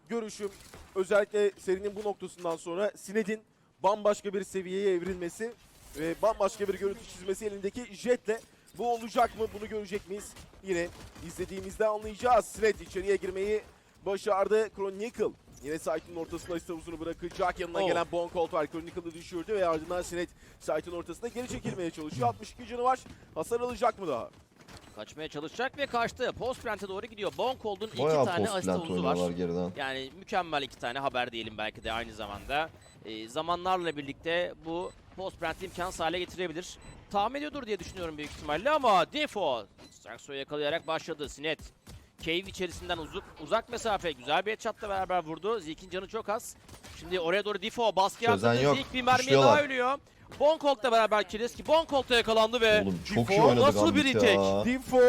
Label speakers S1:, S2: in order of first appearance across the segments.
S1: görüşüm özellikle serinin bu noktasından sonra Sined'in bambaşka bir seviyeye evrilmesi ve bambaşka bir görüntü çizmesi elindeki jetle. Bu olacak mı? Bunu görecek miyiz? Yine izlediğimizde anlayacağız. Sined içeriye girmeyi başardı. Chronicle yine site'ın ortasına ise uzunu bırakacak. Yanına gelen Boncolt var. Chronicle'ı düşürdü ve ardından Sined site'ın ortasında geri çekilmeye çalışıyor. 62 canı var. Hasar alacak mı daha?
S2: Kaçmaya çalışacak ve kaçtı. Post plant'e doğru gidiyor. Boncold'un 2
S3: Bayağı
S2: tane
S3: post
S2: asist
S3: plant
S2: havuzu var.
S3: oynuyorlar geriden.
S2: Yani mükemmel 2 tane haber diyelim belki de aynı zamanda. Zamanlarla birlikte bu post plant'i imkansız hale getirebilir. Tahmin ediyordur diye düşünüyorum büyük ihtimalle ama Defo Saxo'yu yakalayarak başladı. Sined cave içerisinden uzak mesafe güzel bir headshot'la beraber vurdu. Zeke'in canı çok az. Şimdi oraya doğru Defo baskı yaptı. Zeke bir mermiye daha ölüyor. Boncolt'la beraber Kireski Boncolt'ta yakalandı ve
S3: Oğlum çok iyi
S2: Defo
S3: oynadı
S2: nasıl bir
S3: Gambit
S2: retake?
S3: ya.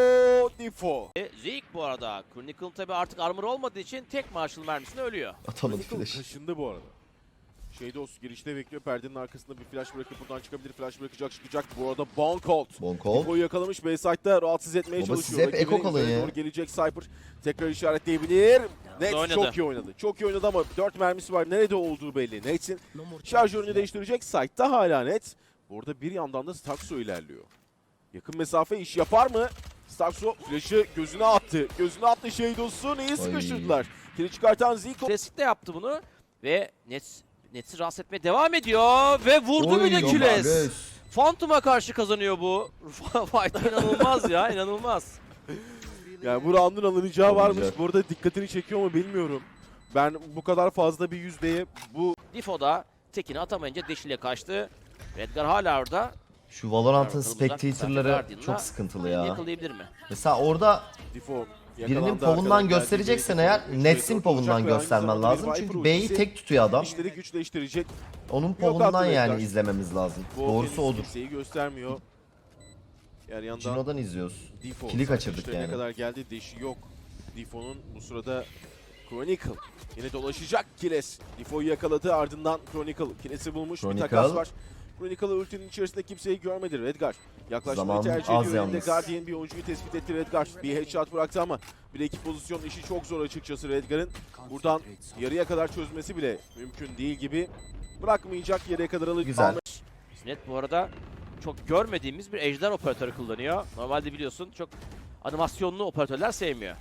S1: Defo.
S2: Zeke bu arada Chronicle tabi artık armor olmadığı için tek Marshall mermisine ölüyor.
S3: Atamadı
S1: Chronicle
S3: flash.
S1: kaşındı bu arada. Şeydos girişte bekliyor. Perdenin arkasında bir flash bırakıp buradan çıkabilir. Flash bırakacak, çıkacak. Bu arada Boncolt.
S3: Boncolt.
S1: Defo'yu yakalamış. B-side'da rahatsız etmeye
S3: Baba
S1: çalışıyor.
S3: siz hep
S1: Rakibinin
S3: eko kalın
S1: üzerine
S3: ya.
S1: doğru gelecek Cypher. Tekrar işaretleyebilir. Nets
S2: oynadı.
S1: çok iyi oynadı. Çok iyi oynadı ama 4 mermisi var. Nerede olduğu belli. Nets'in şarjörünü değiştirecek. Side'da hala Nets. Burada bir yandan da Starkso ilerliyor. Yakın mesafe iş yapar mı? Starkso flash'ı gözüne attı. Gözüne attı Shadows'u. Neyi sıkıştırdılar? Kili çıkartan Zico.
S2: Klasik de yaptı bunu ve Nets'i rahatsız etmeye devam ediyor ve vurdu bir de Kiles. Phantom'a karşı kazanıyor bu. Fight inanılmaz ya, inanılmaz.
S1: Yani bu round'un alınacağı varmış.
S3: Alınacak.
S1: Bu arada dikkatini çekiyor mu bilmiyorum. Ben bu kadar fazla bir yüzdeye bu
S2: Defo da tekini atamayınca Deş ile kaçtı. Redgar hala orada.
S3: Şu Valorant'ın
S2: Bakalım uzak
S3: spectator'ları
S2: Guardian'la
S3: çok sıkıntılı ya.
S2: Yakalayabilir mi?
S3: Mesela orada
S1: Defo
S3: birinin
S1: yakalandı,
S3: povundan
S1: arkadan
S3: göstereceksen
S1: geldi.
S3: eğer
S1: Üç
S3: Nets'in
S1: Redgar
S3: povundan
S1: olacak ve aynı
S3: göstermen
S1: zamanda
S3: lazım.
S1: bir
S3: Çünkü
S1: Viper
S3: B'yi
S1: ultisi
S3: tek tutuyor adam.
S1: İşleri güçleştirecek.
S3: Onun
S1: attı
S3: povundan
S1: Redgar.
S3: yani izlememiz lazım.
S1: Bu
S3: Doğrusu
S1: kendisi
S3: odur.
S1: kimseyi göstermiyor. Yani yandan
S3: Cino'dan izliyoruz.
S1: Defo.
S3: Kili kaçırdık
S1: Ne
S3: yani.
S1: kadar geldi deşi yok. Defo'nun bu sırada Chronicle yine dolaşacak Kiles. Defo'yu yakaladı ardından Chronicle. Kiles'i bulmuş
S3: Chronicle.
S1: bir takas var. Chronicle ultinin içerisinde kimseyi görmedi. Redgar yaklaşmayı
S3: Zaman
S1: tercih
S3: az
S1: ediyor. Elinde
S3: yalnız.
S1: Guardian bir oyuncuyu tespit etti Redgar. Bir headshot bıraktı ama bir ekip pozisyon işi çok zor açıkçası Redgar'ın. Buradan yarıya kadar çözmesi bile mümkün değil gibi. Bırakmayacak, yarıya kadar alıp
S3: Güzel.
S2: Sined bu arada çok görmediğimiz bir ejder operatörü kullanıyor. Normalde biliyorsun çok animasyonlu operatörler sevmiyor.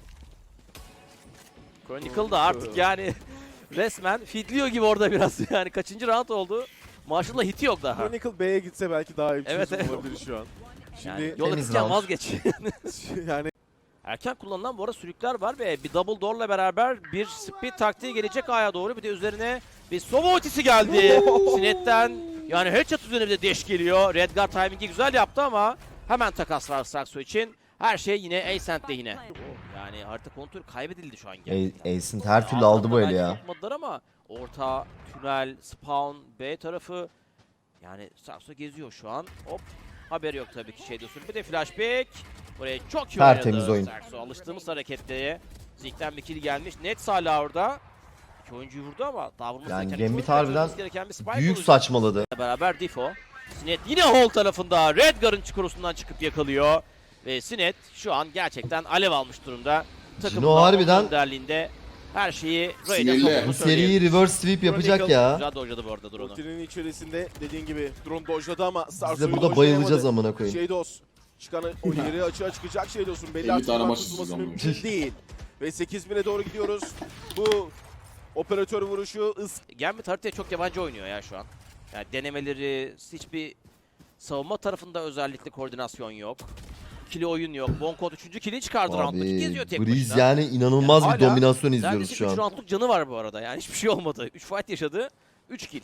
S2: Chronicle da artık yani resmen feedliyor gibi orada biraz. Yani kaçıncı round oldu? Marshall'la hiti yok daha.
S1: Chronicle B'ye gitse belki daha iyi bir
S2: Evet,
S1: çözüm
S2: evet.
S1: olabilir şu an.
S2: Yani
S1: Şimdi
S2: yol
S3: Temiz
S2: akıtken
S3: round.
S2: vazgeç.
S1: yani
S2: Erken kullanılan bu arada sürükler var ve bir double door'la beraber bir speed taktiği gelecek A'ya doğru. Bir de üzerine bir sova ultisi geldi. Sined'den yani headshot üzerine bir de deş geliyor. Redgar timing'i güzel yaptı ama hemen takas var Saxo için. Her şey yine Ascent lehine. Yani harita kontrolü kaybedildi şu an gerçekten.
S3: Ace'in her türlü aldı bu eli
S2: Belki
S3: ya.
S2: sokmadılar ama orta, tünel, spawn, B tarafı yani Saxo geziyor şu an. Hop. Haberi yok tabii ki Shadows'un. Bir de flashback. Buraya çok iyi
S3: Tertemiz
S2: oynadı
S3: oyun.
S2: Saxo. Alıştığımız hareketlere. Zeke'den bir kill gelmiş. Nets hala orada. İki oyuncuyu vurdu ama daha vurması
S3: Yani
S2: gereken,
S3: Gambit
S2: çok
S3: harbiden
S2: kaçırılması gereken bir spike
S3: Büyük
S2: olacak.
S3: saçmaladı.
S2: Beraber Defo. Sined yine hole tarafında Redgar'ın çukurusundan çıkıp yakalıyor. Ve Sined şu an gerçekten alev almış durumda.
S3: Cino harbiden
S2: önderliğinde her şeyi Ray'de
S4: Sinirli.
S2: soktuğunu
S3: Bu
S2: söyleyebiliriz.
S3: seriyi reverse sweep yapacak
S1: Chronicle
S3: ya.
S2: Güzel dojladı bu arada drone'u.
S1: rutinin içerisinde dediğin gibi drone dojladı ama
S3: Biz
S1: Sarso'yu
S3: de burada bayılacağız amına koyayım.
S1: Şeydos çıkan o ileri açığa çıkacak Şeydos'un belli
S4: Elli
S1: artık
S4: tane maç
S1: tutulması
S4: izleyeceğim
S1: mümkün değil. Ve 8000'e doğru gidiyoruz. Bu operatör vuruşu
S2: Gambit haritaya çok yabancı oynuyor ya şu an. Yani denemeleri, hiçbir savunma tarafında özellikle koordinasyon yok. İkili oyun yok. Boncolt 3. kill'i çıkardı round'da.
S3: Abi
S2: Geziyor tek
S3: Breeze
S2: başına.
S3: yani inanılmaz
S2: Yani
S3: bir
S2: hala
S3: dominasyon izliyoruz
S2: Neredeyse
S3: şu
S2: 3
S3: an.
S2: roundluk canı var bu arada. Yani hiçbir şey olmadı. 3 fight yaşadı. 3 kill.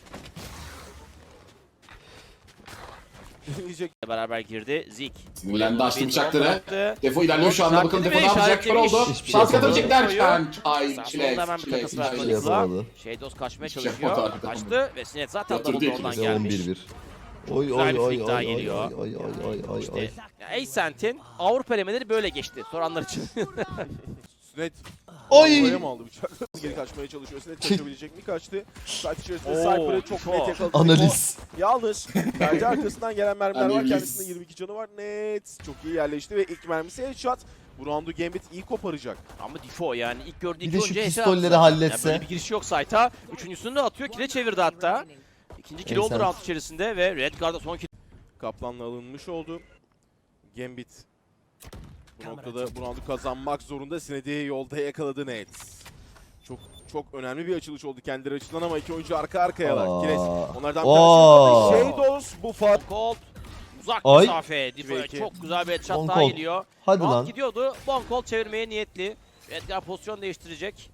S1: diyecek.
S2: Beraber girdi. Zik.
S4: Sinirlendi, açtı
S2: Bir
S4: bıçakları.
S2: drone bıraktı.
S4: Defo ilerliyor şu anda. Bakalım Defo ne yapacak? Kör oldu.
S3: Hiçbir şey
S4: Şans
S3: yapamadı.
S4: katabilecekler. Ay
S2: Saxon'da
S4: çilek.
S2: hemen bir takas var
S3: şey
S2: Chronicle'a.
S3: yapamadı.
S2: Shadow's kaçmaya
S4: Hiçbir şey
S2: çalışıyor.
S4: yapamadı arkada.
S2: Kaçtı ve Sined zaten
S4: Yatırdı
S2: double
S4: ikimiz
S2: door'dan
S3: Ve
S2: gelmiş.
S3: 11-1. Oy
S2: Güzel
S3: oy
S2: bir
S3: oy
S2: flick
S3: oy
S2: daha
S3: oy
S2: geliyor.
S3: oy oy oy
S2: İşte
S3: oy.
S2: Ascent'in Avrupa elemeleri böyle geçti. Soranlar için.
S1: Sünet
S3: Oy!
S1: oraya mı aldı bıçak? Geri kaçmaya çalışıyor. Sünet kaçabilecek mi? Kaçtı. Saat içerisinde Cypher'ı çok
S2: çok.
S1: net yakaladı.
S3: Analiz.
S1: Yalnız perde arkasından gelen mermiler var.
S4: Analiz.
S1: Kendisinde 22 canı var. Net. Çok iyi yerleşti ve ilk mermisi headshot. Bu roundu Gambit iyi koparacak.
S2: Ama Difo yani ilk gördüğü
S3: Bir
S2: iki
S3: de şu
S2: oyuncuya headshot
S3: pistolleri
S2: attı.
S3: halletse.
S2: Yani böyle bir giriş yok site'a. Üçüncüsünü de atıyor. Kile çevirdi hatta. İkinci kill oldu
S3: Neyse.
S2: round içerisinde ve Redguard'da son kill.
S1: Kaplan'la alınmış oldu. Gambit bu noktada bu roundu kazanmak zorunda. Sinedi'yi yolda yakaladı Nets. Çok önemli bir açılış oldu kendileri açısından ama iki oyuncu arka arkayalar.
S3: Aa.
S1: Kires onlardan bir
S3: Oo.
S1: tanesi. Shadows bu Fat.
S2: Colt uzak
S3: Ay.
S2: mesafe. Difo'ya
S1: Peki.
S2: çok güzel bir headshot
S3: Bon
S2: daha
S3: Colt.
S2: geliyor.
S3: Hadi
S2: Round
S3: lan.
S2: gidiyordu. Bon Colt çevirmeye niyetli. Redguard pozisyon değiştirecek.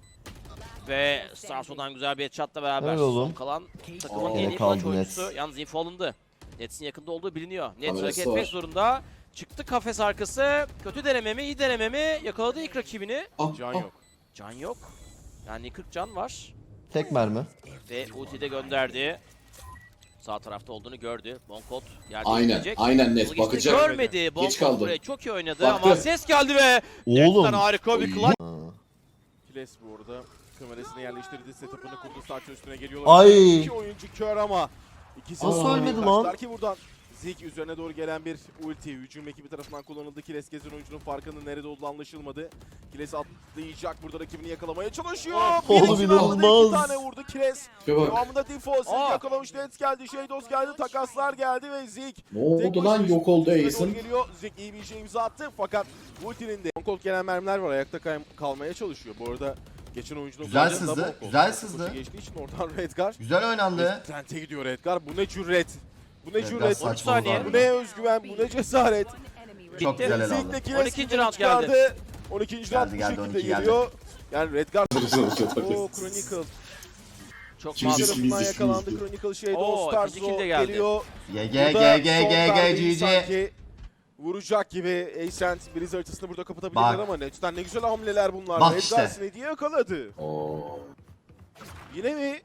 S2: Ve Starso'dan güzel bir headshot'la beraber
S3: Öyle oğlum.
S2: son kalan takımın
S4: Aa,
S2: en iyi
S3: yine kaldı
S2: maç oyuncusu.
S3: Nets.
S2: Yalnız info alındı. Nets'in yakında olduğu biliniyor. Nets
S4: Kamerası
S2: hareket etmek
S4: var.
S2: zorunda. Çıktı kafes arkası. Kötü deneme mi, iyi deneme mi? Yakaladı ilk rakibini.
S1: Can yok.
S2: Can yok. Yani 40 can var.
S3: Tek mermi.
S2: Ve ulti de gönderdi. Sağ tarafta olduğunu gördü. Bon Colt yerde
S4: Aynen,
S2: bekleyecek.
S4: aynen
S2: Hızlı
S4: net
S2: geçti,
S4: bakacak.
S2: Görmedi. Bon
S4: Geç
S2: Colt
S4: kaldı.
S2: buraya çok iyi oynadı
S4: Baktı.
S2: ama ses geldi ve
S3: Oğlum.
S2: Nets'ten harika bir clutch.
S1: Kiles bu arada kamerasını yerleştirdi. Setup'ını kurdu. Startın üstüne geliyorlar.
S3: Ay.
S1: İki oyuncu kör ama ikisi
S3: Nasıl
S1: de
S3: ölmedi
S1: kaçtılar
S3: lan?
S1: ki buradan. Zik üzerine doğru gelen bir ulti. Hücum ekibi tarafından kullanıldı. Kiles gezen oyuncunun farkının nerede olduğu anlaşılmadı. Kiles atlayacak. Burada rakibini yakalamaya çalışıyor.
S3: Oğlum,
S1: Birinci
S3: inanılmaz.
S1: roundda 2 tane vurdu Kiles.
S4: Bir bak.
S1: Devamında Default yakalamış. Nets geldi. Shadows geldi. Takaslar geldi ve Zik.
S4: Ne
S1: tek
S4: oldu lan,
S1: başına
S4: yok oldu
S1: üstüne
S4: Ace'in.
S1: doğru geliyor. Zik iyi bir şey imza attı fakat ultinin de Bonkolt gelen mermiler var. Ayakta kalmaya çalışıyor. Bu arada geçen oyuncunun
S5: Güzel
S1: kullandığı
S5: sızdı,
S1: da Bonkolt.
S5: güzel
S1: Koşu
S5: sızdı.
S1: geçtiği için oradan Redgar.
S5: Güzel oynandı.
S1: Trent'e gidiyor Redgar. Bu ne cüret. Bu ne
S5: Redgar
S1: cüret.
S5: saçma
S2: 13 saniye.
S5: oldu
S1: Bu ne özgüven. Bu ne cesaret.
S5: Çok
S2: Bitti.
S5: güzel el aldı.
S1: Zik'teki
S2: 12. round
S1: çıkardı.
S2: geldi.
S1: 12. round
S5: Geldi,
S1: bu
S5: geldi,
S1: şekilde
S5: 12 geldi.
S1: geliyor. Yani Redgar. Oo Chronicle.
S2: Çok
S4: Kimisi-
S2: fazla.
S1: Tarafından
S4: bizi
S1: yakalandı
S4: süzdü.
S1: Chronicle Shadow.
S2: Oo,
S1: Starzo
S2: ikinci kill de geldi.
S1: geliyor.
S5: GG
S1: Burada
S5: GG
S1: son
S5: GG
S1: darbeyi
S5: GG.
S1: sanki vuracak gibi Ascent Breeze haritasını burada kapatabilirler
S5: Bak.
S1: ama Nets'ten ne güzel hamleler bunlar.
S5: Bak
S1: Redgar
S5: işte.
S1: Sinedi'yi yakaladı.
S4: Oo.
S1: Yine mi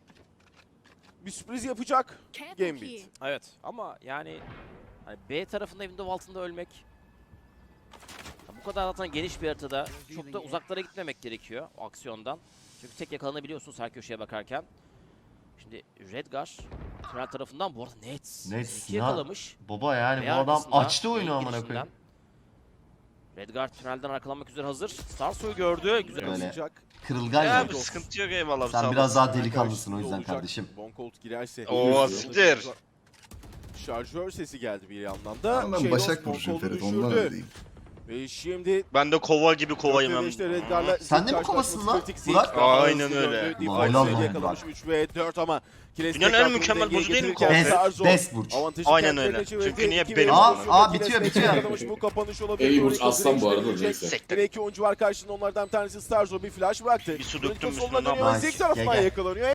S1: bir sürpriz yapacak Gambit?
S2: Evet ama yani hani B tarafında window altında ölmek ya bu kadar zaten geniş bir haritada çok da uzaklara gitmemek gerekiyor o aksiyondan. Çünkü tek yakalanabiliyorsunuz her köşeye bakarken. Şimdi Redgar tünel tarafından bu arada Nets
S5: Nets
S2: iki
S5: ya.
S2: yakalamış.
S5: Baba yani
S2: B
S5: bu adam
S2: arkasında,
S5: açtı oyunu
S2: B
S5: amına
S2: girişinden.
S5: koyayım.
S2: Redgar tünelden arkalanmak üzere hazır. Starsoy gördü. Güzel.
S5: Böyle.
S1: Yansıyacak.
S5: Kırılgan
S6: Ya
S5: ya.
S6: abi sıkıntı yok eyvallah.
S5: Sen
S6: sağ
S5: biraz
S6: olasın.
S5: daha delikanlısın o
S1: Karşısında
S5: yüzden
S1: olacak.
S5: kardeşim.
S1: Bonkolt girerse.
S6: Oo, siktir.
S1: Şarjör sesi geldi bir yandan da.
S7: Ben
S1: Shadows
S7: Başak Burcu'yum
S1: Bonkolt'u
S7: Ferit ondan
S1: düşürdü.
S7: öyleyim.
S1: Ve şimdi
S6: Ben de kova gibi kovayım hem.
S1: işte Redgar'la
S5: Sen de mi
S1: Zik
S5: kovasın lan,
S1: karşılaşması kritik.
S5: Burak?
S1: Zik daha
S6: Aynen
S1: hızlı
S6: öyle.
S1: döndü.
S5: Ulan
S1: Default
S5: helal
S1: sayı
S5: lan
S1: yakalamış 3 ve 4 ama Kiles
S6: Dünyanın
S1: tekrar
S6: en mükemmel
S1: dengeye
S6: burcu değil mi
S1: getirirken
S6: kova?
S1: Starzo
S5: Best burç.
S1: avantajı
S6: Aynen
S1: kendilerine
S6: öyle.
S1: çevirdi.
S6: Çünkü niye
S1: İki
S6: benim
S1: ve
S6: olsun?
S1: pozisyonda
S5: Aa,
S1: Kiles
S5: bitiyor,
S1: Nets'e
S5: bitiyor.
S1: yakalamış. Bu kapanış olabilir.
S4: İyi burç,
S1: Chronicle
S4: aslan bu arada,
S1: dirençle
S4: neyse.
S1: dönecek. Yine iki oyuncu var karşısında onlardan bir tanesi Starzo bir flash bıraktı.
S6: Bir su
S1: Chronicle
S6: döktüm
S1: soluna
S6: üstüne, ne
S1: dönüyor.
S5: yapayım?
S1: Zik tarafından
S5: Gel, gel.
S1: yakalanıyor.